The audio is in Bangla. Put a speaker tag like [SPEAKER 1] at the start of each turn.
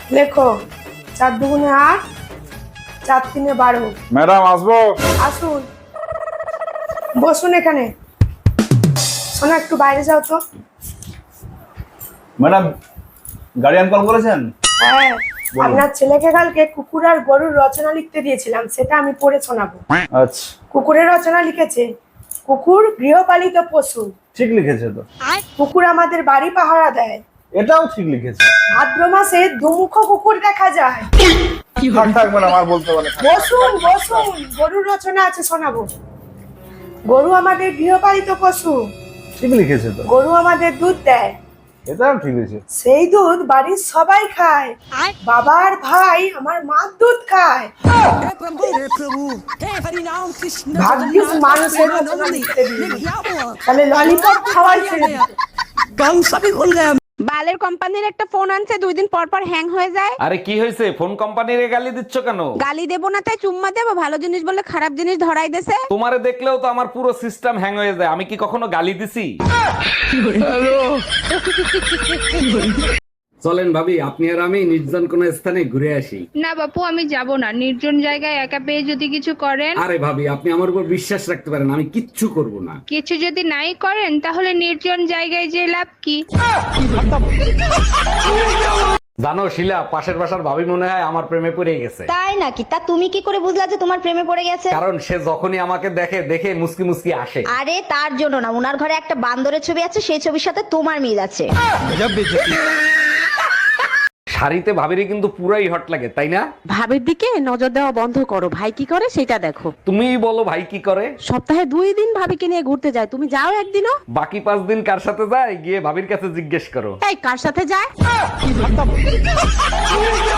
[SPEAKER 1] লেখো 4 দুগুণে 8, 4 তিনে 12।
[SPEAKER 2] ম্যাডাম আসবো?
[SPEAKER 1] আসুন, বসুন এখানে। শোনো, একটু বাইরে যাও তো।
[SPEAKER 2] ম্যাডাম গার্ডিয়ান কল করেছেন?
[SPEAKER 1] হ্যাঁ, আপনার ছেলেকে কালকে কুকুর আর গরুর রচনা লিখতে দিয়েছিলাম, সেটা আমি পড়ে শোনাবো।
[SPEAKER 2] আচ্ছা,
[SPEAKER 1] কুকুরের রচনা লিখেছে, কুকুর গৃহপালিত পশু।
[SPEAKER 2] ঠিক লিখেছে তো।
[SPEAKER 1] কুকুর আমাদের বাড়ি পাহারা দেয়।
[SPEAKER 2] এটাও ঠিক লিখেছে।
[SPEAKER 1] ভাদ্র মাসে দুমুখ কুকুর দেখা যায়।
[SPEAKER 2] থাক থাক ম্যাডাম, আর বলতে পারে।
[SPEAKER 1] বসুন বসুন, গরুর রচনা আছে, শোনাবো। গরু আমাদের গৃহপালিত পশু।
[SPEAKER 2] ঠিক লিখেছে তো।
[SPEAKER 1] গরু আমাদের দুধ দেয়।
[SPEAKER 2] এটাও ঠিক লিখেছে।
[SPEAKER 1] সেই দুধ বাড়ির সবাই খায়। বাবার ভাই আমার মার দুধ খায়। ভাগ্যিস মানুষের রচনা লিখতে দিইনি, তাহলে ললিপপ খাওয়াই ছেড়ে দিত।
[SPEAKER 3] বালের কোম্পানির একটা ফোন আনছে, 2 দিন পর পর হ্যাং হয়ে যায়।
[SPEAKER 4] আরে কি হয়েছে? ফোন কোম্পানির গালি দিচ্ছ কেন?
[SPEAKER 3] গালি দেবো না তাই চুম্মা দেবো? ভালো জিনিস বলে খারাপ জিনিস ধরাই দেছে।
[SPEAKER 4] তোমারে দেখলেও তো আমার পুরো সিস্টেম হ্যাং হয়ে যায়। আমি কি কখনো গালি দিছি? চলেন ভাবি, আপনি আর আমি নির্জন কোন স্থানে ঘুরে আসি।
[SPEAKER 5] না বাপু, আমি যাব না। নির্জন জায়গায় একা পেয়ে যদি কিছু করেন।
[SPEAKER 4] আরে ভাবি, আপনি আমার উপর বিশ্বাস রাখতে পারেন, আমি কিচ্ছু করব না।
[SPEAKER 5] কিছু যদি নাই করেন তাহলে নির্জন জায়গায় যে লাভ কি?
[SPEAKER 4] জানো শিলা, পাশের বাসার ভাবি মনে হয় আমার প্রেমে পড়ে গেছে।
[SPEAKER 6] তাই নাকি? তা তুমি কি করে বুঝলা যে তোমার প্রেমে পড়ে গেছে?
[SPEAKER 4] কারণ সে যখনই আমাকে দেখে দেখে মুসকি মুসকি আসে।
[SPEAKER 6] আরে তার জন্য না, উনার ঘরে একটা বান্দরের ছবি আছে, সেই ছবির সাথে তোমার মিল আছে।
[SPEAKER 4] শাড়িতে ভাবিরে কিন্তু পুরাই হট লাগে, তাই না?
[SPEAKER 3] ভাবির দিকে নজর দেওয়া বন্ধ করো, ভাই কি করে সেটা দেখো।
[SPEAKER 4] তুমিই বলো ভাই কি করে।
[SPEAKER 3] সপ্তাহে 2 দিন ভাবিকে নিয়ে ঘুরতে যায়, তুমি যাও একদিনও?
[SPEAKER 4] বাকি 5 দিন কার সাথে যায় গিয়ে ভাবির কাছে জিজ্ঞেস করো।
[SPEAKER 3] তাই কার সাথে যায়?